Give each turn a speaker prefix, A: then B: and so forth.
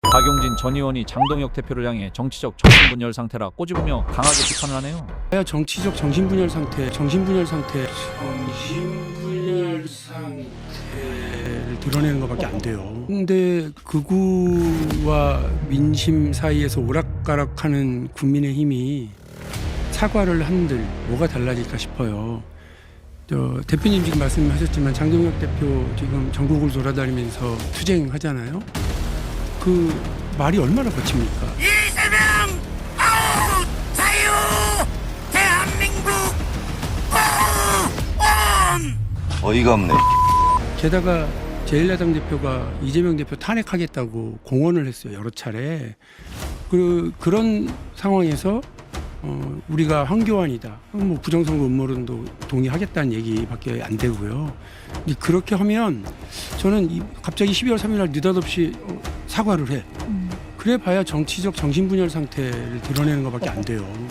A: 박용진 전 의원이 장동혁 대표를 향해 정치적 정신분열 상태라 꼬집으며 강하게 비판을 하네요.
B: 정치적 정신분열 상태를 드러내는 것밖에 안 돼요. 근데 극우와 민심 사이에서 오락가락하는 국민의힘이 사과를 한들 뭐가 달라질까 싶어요. 대표님 지금 말씀하셨지만 장동혁 대표 지금 전국을 돌아다니면서 투쟁하잖아요. 그 말이 얼마나 거칩니까?
C: 이재명 아웃! 자유! 대한민국 온!
D: 어이가 없네.
B: 게다가 제1야당 대표가 이재명 대표 탄핵하겠다고 공언을 했어요. 여러 차례. 그런 상황에서 우리가 황교안이다. 뭐 부정선거 음모론도 동의하겠다는 얘기밖에 안 되고요. 근데 그렇게 하면 저는 갑자기 12월 3일 날 느닷없이 사과를 해. 그래 봐야 정치적 정신분열 상태를 드러내는 것밖에 안 돼요.